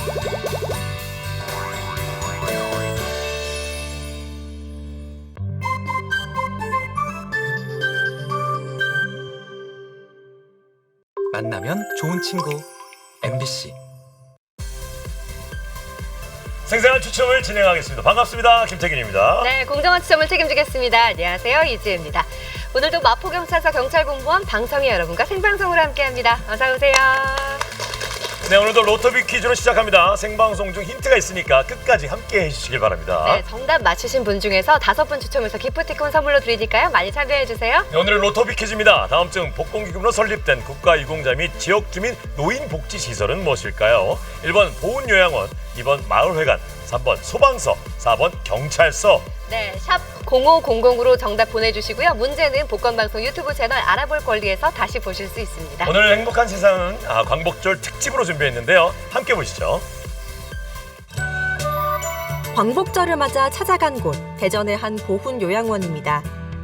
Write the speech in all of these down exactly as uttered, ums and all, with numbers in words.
만나면 좋은 친구 엠비씨. 생생한 추첨을 진행하겠습니다. 반갑습니다. 김태균입니다. 네, 공정한 추첨을 책임지겠습니다. 안녕하세요, 이지혜입니다. 오늘도 마포경찰서 경찰공무원 방청객 여러분과 생방송으로 함께합니다. 어서 오세요. 네, 오늘도 로터비 퀴즈로 시작합니다. 생방송 중 힌트가 있으니까 끝까지 함께 해주시길 바랍니다. 네, 정답 맞히신 분 중에서 다섯 분 추첨해서 기프티콘 선물로 드리니까요. 많이 참여해주세요. 네, 오늘은 로터비 퀴즈입니다. 다음 중 복권기금으로 설립된 국가유공자 및 지역주민 노인복지시설은 무엇일까요? 일 번 보훈요양원, 이 번 마을회관, 삼 번 소방서, 사 번 경찰서. 네, 샵 공오공공으로 정답 보내주시고요. 문제는 복권방송 유튜브 채널 알아볼 권리에서 다시 보실 수 있습니다. 오늘 행복한 세상은 아, 광복절 특집으로 준비했는데요. 함께 보시죠. 광복절을 맞아 찾아간 곳, 대전의 한 보훈요양원입니다.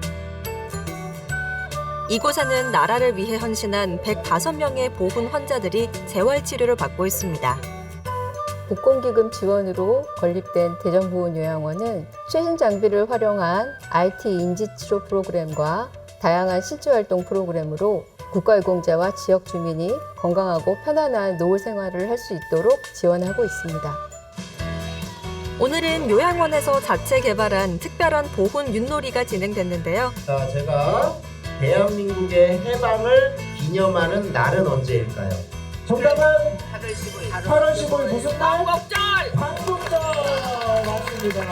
이곳에는 나라를 위해 헌신한 백오 명의 보훈 환자들이 재활치료를 받고 있습니다. 복권기금 지원으로 건립된 대전보훈요양원은 최신 장비를 활용한 아이티 인지치료 프로그램과 다양한 실제활동 프로그램으로 국가유공자와 지역주민이 건강하고 편안한 노후 생활을 할 수 있도록 지원하고 있습니다. 오늘은 요양원에서 자체 개발한 특별한 보훈 윷놀이가 진행됐는데요. 자, 제가 대한민국의 해방을 기념하는 날은 언제일까요? 정답은 팔월 십오일 무슨 날? 광복절! 광복절! 맞습니다.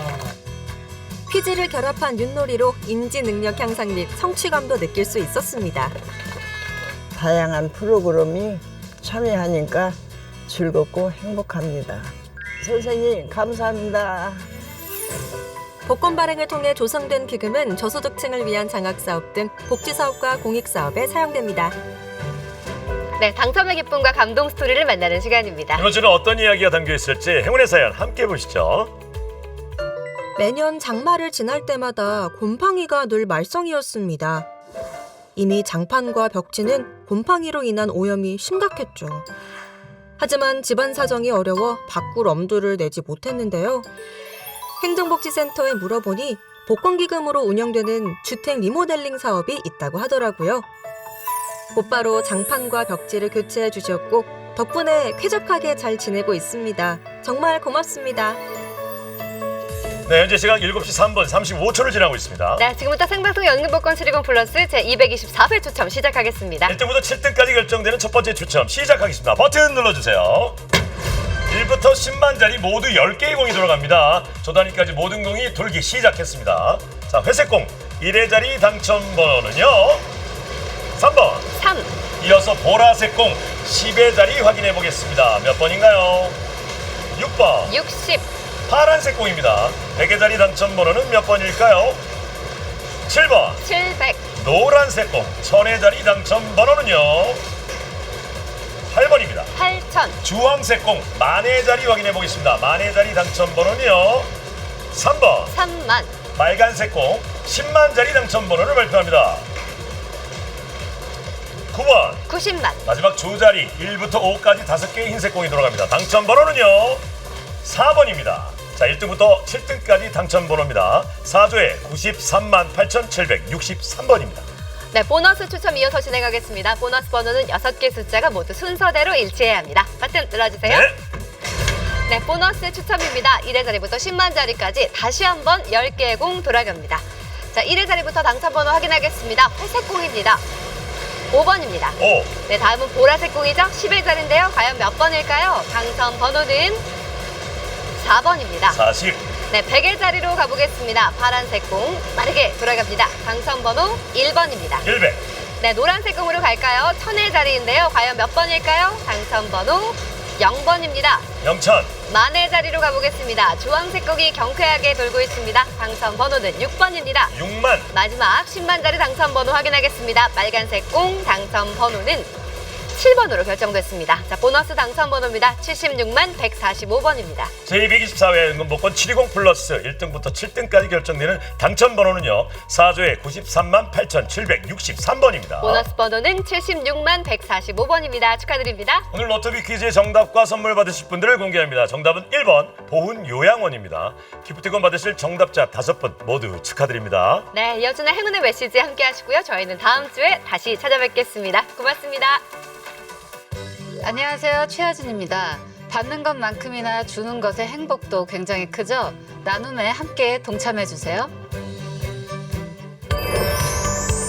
퀴즈를 결합한 윷놀이로 인지 능력 향상 및 성취감도 느낄 수 있었습니다. 다양한 프로그램이 참여하니까 즐겁고 행복합니다. 선생님, 감사합니다. 복권 발행을 통해 조성된 기금은 저소득층을 위한 장학사업 등 복지사업과 공익사업에 사용됩니다. 네, 당첨의 기쁨과 감동 스토리를 만나는 시간입니다. 이번 주는 어떤 이야기가 담겨 있을지 행운의 사연 함께 보시죠. 매년 장마를 지날 때마다 곰팡이가 늘 말썽이었습니다. 이미 장판과 벽지는 곰팡이로 인한 오염이 심각했죠. 하지만 집안 사정이 어려워 바꿀 엄두를 내지 못했는데요. 행정복지센터에 물어보니 복권기금으로 운영되는 주택 리모델링 사업이 있다고 하더라고요. 곧바로 장판과 벽지를 교체해 주셨고 덕분에 쾌적하게 잘 지내고 있습니다. 정말 고맙습니다. 네, 현재 시각 일곱 시 삼 분 삼십오 초를 지나고 있습니다. 네, 지금부터 생방송 연금복권 수리금 플러스 제이백이십사 회 추첨 시작하겠습니다. 일 등부터 칠 등까지 결정되는 첫 번째 추첨 시작하겠습니다. 버튼 눌러주세요. 일부터 십만짜리 모두 열 개의 공이 돌아갑니다. 조 단위까지 모든 공이 돌기 시작했습니다. 자, 회색 공 일 회 자리 당첨 번호는요. 삼 번. 삼. 이어서 보라색 공 십 회 자리 확인해 보겠습니다. 몇 번인가요? 육 번. 육십. 파란색 공입니다. 백 회 자리 당첨 번호는 몇 번일까요? 칠 번. 칠백. 노란색 공 천 회 자리 당첨 번호는요. 팔 번입니다. 팔천. 주황색 공 만 회 자리 확인해 보겠습니다. 만 회 자리 당첨 번호는요. 삼 번. 삼만. 빨간색 공 십만 자리 당첨 번호를 발표합니다. 구 번. 구십만. 마지막 두 자리 일부터 오까지 다섯 개의 흰색 공이 돌아갑니다. 당첨 번호는요. 사 번입니다. 자, 일 등부터 칠 등까지 당첨 번호입니다. 사 조에 구십삼만 팔천칠백육십삼 번입니다. 네, 보너스 추첨 이어서 진행하겠습니다. 보너스 번호는 여섯 개 숫자가 모두 순서대로 일치해야 합니다. 버튼 눌러주세요. 네. 네, 보너스 추첨입니다. 일 회 자리부터 십만 자리까지 다시 한번 열 개의 공 돌아갑니다. 자, 일 회 자리부터 당첨 번호 확인하겠습니다. 회색 공입니다. 오 번입니다. 오. 네, 다음은 보라색 공이죠. 십 회 자리인데요. 과연 몇 번일까요? 당첨 번호는 사 번입니다. 사십. 네, 백 회 자리로 가보겠습니다. 파란색 공 빠르게 돌아갑니다. 당첨 번호 일 번입니다. 일백. 네, 노란색 공으로 갈까요? 천 회 자리인데요. 과연 몇 번일까요? 당첨 번호 영 번입니다. 영천. 만 회 자리로 가보겠습니다. 주황색 공이 경쾌하게 돌고 있습니다. 당첨 번호는 육 번입니다. 육만. 마지막 십만 자리 당첨 번호 확인하겠습니다. 빨간색 공 당첨 번호는 칠 번으로 결정됐습니다. 자, 보너스 당첨 번호입니다. 칠십육만 백사십오 번입니다. 제이백이십사 회 연금복권 칠이십 플러스 일 등부터 칠 등까지 결정되는 당첨 번호는요. 사조의 구십삼만 팔천칠백육십삼 번입니다. 보너스 번호는 칠십육만 백사십오 번입니다. 축하드립니다. 오늘 로터비 퀴즈의 정답과 선물 받으실 분들을 공개합니다. 정답은 일 번 보훈 요양원입니다. 기프티콘 받으실 정답자 다섯 분 모두 축하드립니다. 네, 이어지는 행운의 메시지 함께 하시고요. 저희는 다음 주에 다시 찾아뵙겠습니다. 고맙습니다. 안녕하세요. 최하진입니다. 받는 것만큼이나 주는 것의 행복도 굉장히 크죠? 나눔에 함께 동참해 주세요.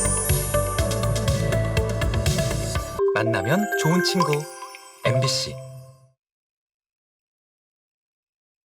만나면 좋은 친구 엠비씨